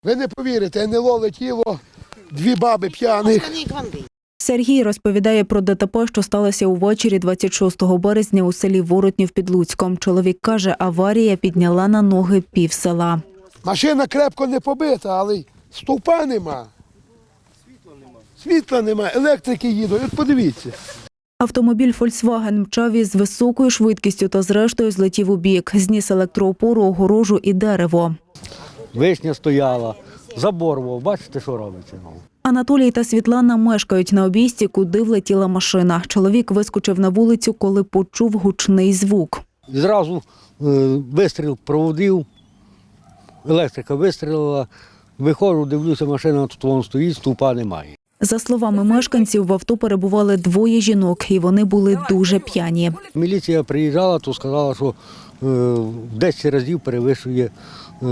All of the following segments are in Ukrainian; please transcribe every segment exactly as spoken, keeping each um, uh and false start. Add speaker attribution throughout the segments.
Speaker 1: Ви не повірите, НЛО летіло, дві баби п'яних.
Speaker 2: Сергій розповідає про ДТП, що сталося увечері двадцять шостого березня у селі Воротнів під Луцьком. Чоловік каже, аварія підняла на ноги пів села.
Speaker 1: Машина крепко не побита, але стовпа нема. Світла нема, електрики їдуть, от подивіться.
Speaker 2: Автомобіль «Фольксваген» мчав із високою швидкістю та зрештою злетів у бік. Зніс електроопору, огорожу і дерево.
Speaker 3: Вишня стояла, забор, бачите, що робиться.
Speaker 2: Анатолій та Світлана мешкають на обійсті, куди влетіла машина. Чоловік вискочив на вулицю, коли почув гучний звук.
Speaker 3: Зразу е, вистріл проводив, електрика вистрілила, виходжу, дивлюся, машина тут вон стоїть, стовпа немає.
Speaker 2: За словами мешканців, в авто перебували двоє жінок, і вони були дуже п'яні.
Speaker 3: Міліція приїжджала, то сказала, що е, в десять разів перевищує е,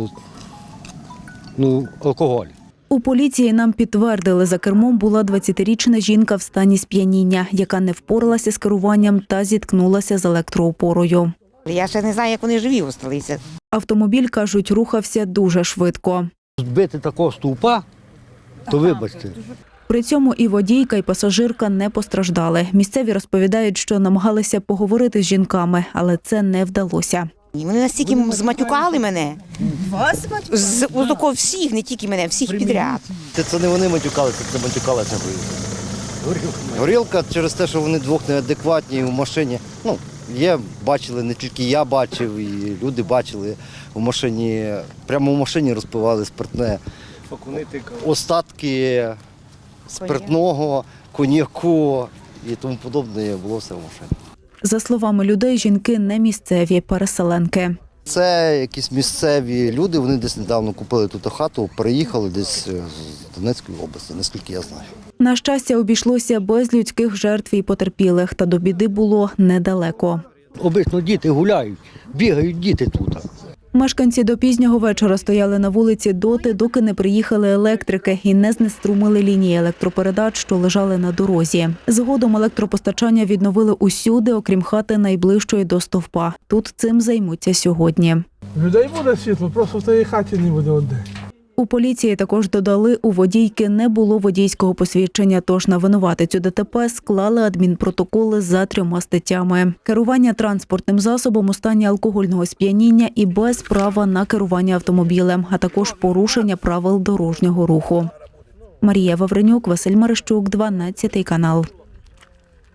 Speaker 3: ну, алкоголь.
Speaker 2: У поліції нам підтвердили, за кермом була двадцятирічна жінка в стані сп'яніння, яка не впоралася з керуванням та зіткнулася з електроопорою.
Speaker 4: Я ще не знаю, як вони живі залишилися.
Speaker 2: Автомобіль, кажуть, рухався дуже швидко.
Speaker 3: Збити такого стовпа, то вибачте.
Speaker 2: При цьому і водійка, і пасажирка не постраждали. Місцеві розповідають, що намагалися поговорити з жінками, але це не вдалося.
Speaker 4: Вони настільки зматюкали мене. Вас з отако всіх, не тільки мене, всіх підряд.
Speaker 5: Це, це не вони матюкалися, це матюкалася горілка. Горілка через те, що вони двох неадекватні в машині. Ну, є, бачили, не тільки я бачив, і люди бачили в машині, прямо в машині розпивали спиртне. Остатки спиртного, коньяку і тому подобне було все в машині.
Speaker 2: За словами людей, жінки не місцеві, переселенки.
Speaker 5: Це якісь місцеві люди, вони десь недавно купили тут хату, переїхали десь з Донецької області, наскільки я знаю.
Speaker 2: На щастя, обійшлося без людських жертв і потерпілих, та до біди було недалеко.
Speaker 3: Обично діти гуляють, бігають діти тут.
Speaker 2: Мешканці до пізнього вечора стояли на вулиці доти, доки не приїхали електрики і не знеструмили лінії електропередач, що лежали на дорозі. Згодом електропостачання відновили усюди, окрім хати найближчої до стовпа. Тут цим займуться сьогодні.
Speaker 6: Людей буде світло, просто в тій хаті не буде одне.
Speaker 2: У поліції також додали, у водійки не було водійського посвідчення, тож на винуватицю ДТП склали адмінпротоколи за трьома статтями. Керування транспортним засобом у стані алкогольного сп'яніння і без права на керування автомобілем, а також порушення правил дорожнього руху. Марія Вавренюк, Василь Марищук, дванадцятий канал.